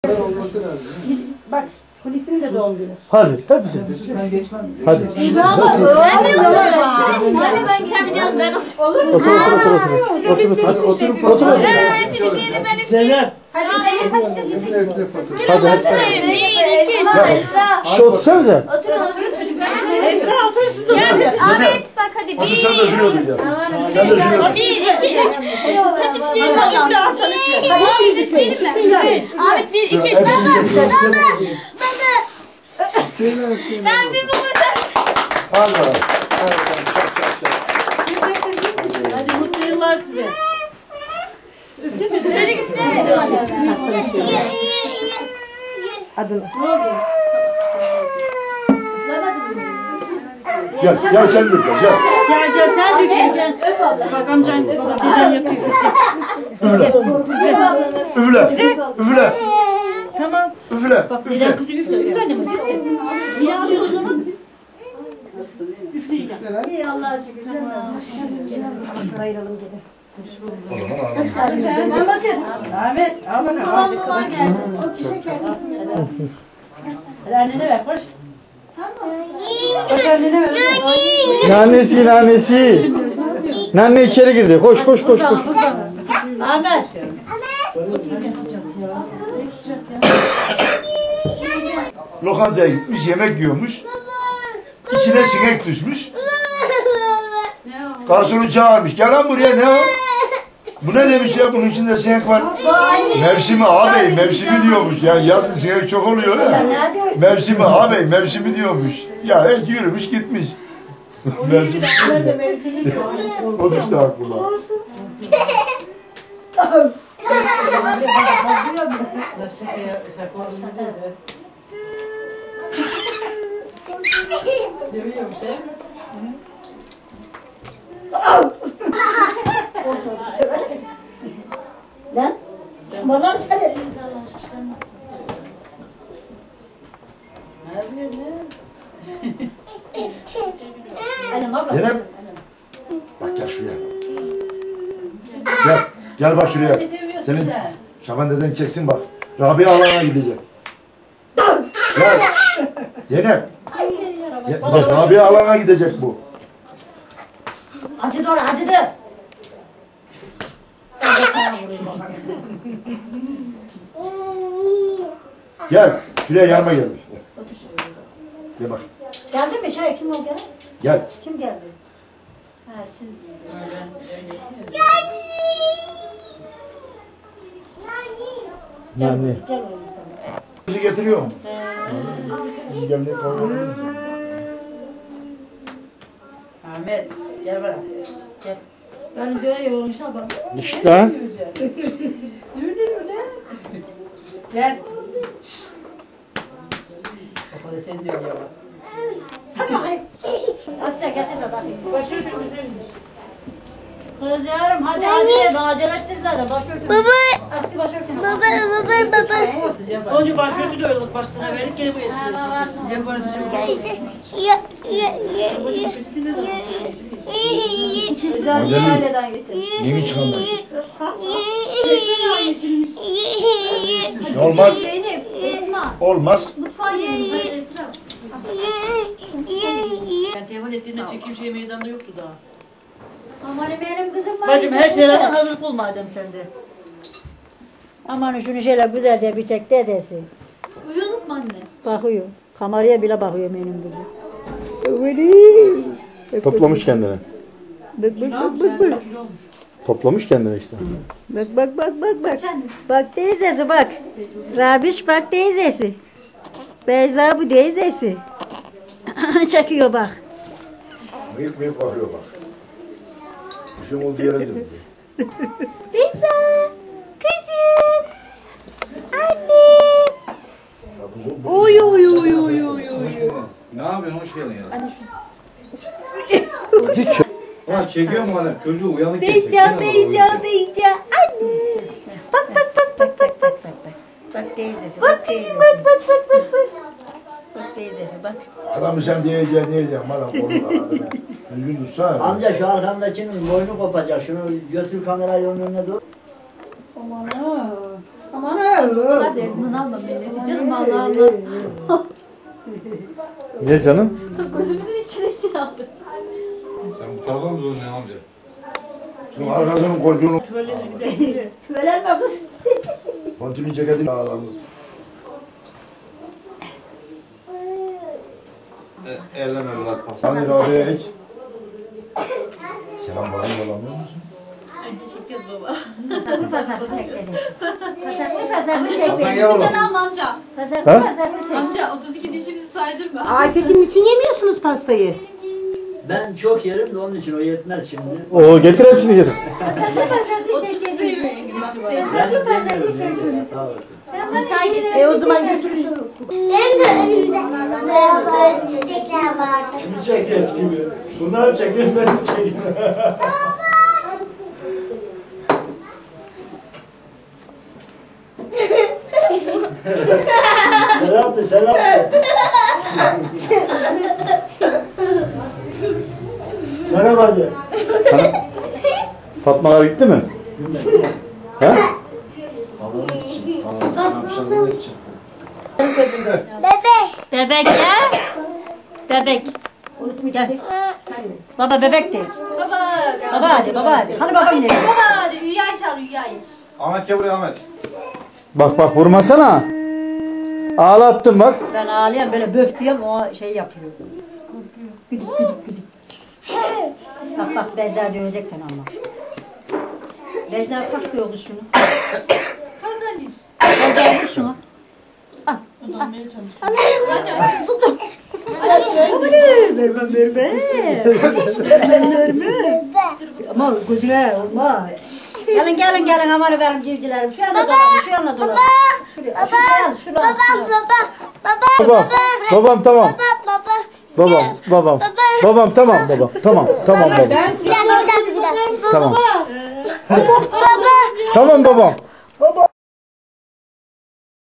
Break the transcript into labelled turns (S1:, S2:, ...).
S1: Bak, Hulusi'nin de doğum günü.
S2: Hadi, hepsi. Hadi.
S3: Ben de oturuyorum. Hadi ben gelmeyeceğim, ben oturuyorum.
S2: Otur. Hadi otur.
S3: Hepinizi ben üfleyeyim. Hadi
S2: Hadi.
S3: bir, iki,
S2: Şu otursanıza.
S3: Oturun çocuklar. Gel Ahmet bak hadi.
S4: Hadi sen de şuraya otur ya. Sen de şuraya otur.
S3: 1, 2, 3. Sen üfleyelim bakalım. Abi biz üfleyelim mi? Ahmet 1, 2, 3. Ben bir babasın.
S4: Hadi bakalım.
S1: Hadi mutlu yıllar size.
S3: Çocuk üflemedim hadi.
S1: Adını.
S4: Gel sen de gel.
S1: Gel sen de gel.
S3: Öp abla.
S1: Bak amcan dedem yapıyor.
S4: Üfle.
S1: Tamam.
S4: Üfle.
S1: Bak dedem kızı üfle annem. Niye alıyorsun onu? Üfleyeceğim. İyi Allah'a şükür. Tamam.
S5: Ayıralım gene.
S3: Ben bakın.
S1: Ahmet al bakalım.
S3: Babam babam geldi.
S1: Hadi annene ver koş. Koş annene ver.
S2: Nannesi. Nanne içeri girdi. Koş.
S1: Ahmet.
S4: Lokantaya gitmiş, yemek yiyormuş. İçine sinek düşmüş. Garsonu çağırmış. Gel lan buraya, ne o? Bu ne demiş ya, bunun içinde sinek var. Mevsimi ağabey, mevsimi diyormuş. Yani yazın sinek çok oluyor ya. Mevsimi ağabey, mevsimi diyormuş. Ya yürümüş gitmiş. Mevsimi. O düştü aklıma.
S5: Lan? Bana mı sen?
S4: Zeynep. Bak gel şuraya. Gel bak şuraya. Senin Şaban deden çeksin bak. Rabia alana gidecek. Gel. Zeynep. Bak Rabia alana gidecek bu.
S5: Acıdı oraya, acıdı.
S4: Gel. Şuraya yanıma gel. Gel bak.
S5: Geldi mi? Kim o gene?
S4: Gel.
S5: Kim geldi? Ha siz.
S2: Nanne.
S5: Gel oğlum sana.
S4: Bizi getiriyor mu? Biz gelmeye kalmıyoruz.
S1: Ahmet gel bana. Gel.
S5: Ben böyle yoğurmuşum bak.
S2: İşte.
S1: Gel. Baba da seni diyor ya.
S5: Hadi sen getir de bakayım.
S1: Başörtümüz elmiş.
S5: Kız yavrum hadi hadi. Bana acele ettir zaten başörtün. Baba. Eski başörtün.
S1: Önce başörtü de öyle başlığına verdik gene bu eski.
S3: Özelliği aileden getirdim.
S4: Yeni çıkanlar. Olmaz.
S3: Zeynep, Esma.
S4: Olmaz.
S3: Mutfağa gelin.
S1: Ben telefon ettiğinde çekim şey meydanda yoktu daha.
S5: Aman benim kızım var.
S1: Bacım her şeylerden hazır bul madem sende.
S5: Aman şunu şöyle güzelce bir çek dedesi.
S3: Uyuyorduk mu anne?
S5: Bakıyor. Kameraya bile bakıyor benim kızım.
S2: Toplamış kendine.
S5: Bak bak bak bak bak.
S2: Toplamış kendine işte.
S5: Bak bak bak bak bak. Bak teyzesi bak. Rabiş bak teyzesi. Beyza bu teyzesi. Çekiyor bak.
S4: Mıyık bakıyor bak. Bir şey oldu yere döndü.
S5: Beyza. Kızım. Anne. Oy oy oy oy oy.
S6: Ne yapıyorsun? Hoş geldin ya.
S2: Hiç
S6: Ulan çekiyor mu adam? Çocuğu uyanık
S5: Beyza Beyza. Anne. Bak bak bak bak bak bak. Bak teyzesi. Bak teyzesi. Bak bak bak bak bak. Bak teyzesi bak.
S4: Adamı sen diyeceksin. Adam korur adamı. Düzgün tutsana.
S7: Amca şu arkandakinin boynu kopacak. Şunu götür kamerayı onun önüne doğru.
S5: Aman ha. Aman ha.
S3: kadar da yakından alma milleti. Canım Allah Allah.
S2: Ne canım?
S3: Gözümüzün içine aldı.
S6: Sen bu tarafa mı zorluyorsun amca?
S4: Şunun arkasının kocuğunu.
S5: Tüvelenme kız.
S4: Pontimin ceketini alalım.
S6: Elleme evlat pas.
S4: Hadi Rabia'ya hiç. Selam bana yolamıyor musun?
S3: Önce çekiyoruz baba.
S5: Pasaklı çek dedi. Pasaklı
S6: Hasan
S5: çek.
S6: gel oğlum.
S3: Sen alma amca.
S5: Pasaklı çek.
S3: Amca 32 dişimizi saydırma.
S1: Aytekin için yemiyorsunuz pastayı.
S7: Ben çok yerim de onun için o yetmez şimdi.
S2: O getir hepsini getir.
S5: Pasaklı
S3: 30
S5: çek dedi.
S3: seviyor yengem. Bak seviyor.
S7: Ben demiyorum yenge. Sağ olasın.
S3: Çay getir.
S1: O zaman götürürsün.
S8: Benim de önümde böyle çiçekler vardı.
S7: Kimi çekiyoruz gibi? Bunlar çekiyor, benim çekiyor. Selamtı, selamtı. Merhaba de.
S2: Fatmalar gitti mi? He?
S8: Bebek.
S5: Bebek ya. Bebek. Gel. Baba bebek de.
S3: Baba.
S5: Baba hadi baba hadi. Hadi babam ne?
S3: Baba hadi Rüya'yı çağır Rüya'yı.
S6: Ahmet gel buraya Ahmet.
S2: Bak bak vurmasana. Ağlattın bak.
S5: Ben ağlayan böyle böf diyorum o şey yapıyor. Güdük güdük güdük. Bak bak Beyza dövecek seni ama. Beyza kalk bir oğlu şunu.
S3: Kalk anneciğim.
S5: Beyza vur şunu. Al. Vermem vermem. Vermem. Ama gözüne olmaz. Gelin gelin gelin aman benim civcilerim. Şu yana dolanın, şu yana dolanın. Şuraya, şuraya,
S8: Baba.
S2: Babam tamam.
S8: Baba.
S2: Babam. Babam tamam baba. Tamam baba.
S8: Bir dakika.
S2: Tamam.
S8: Baba.
S2: Tamam babam.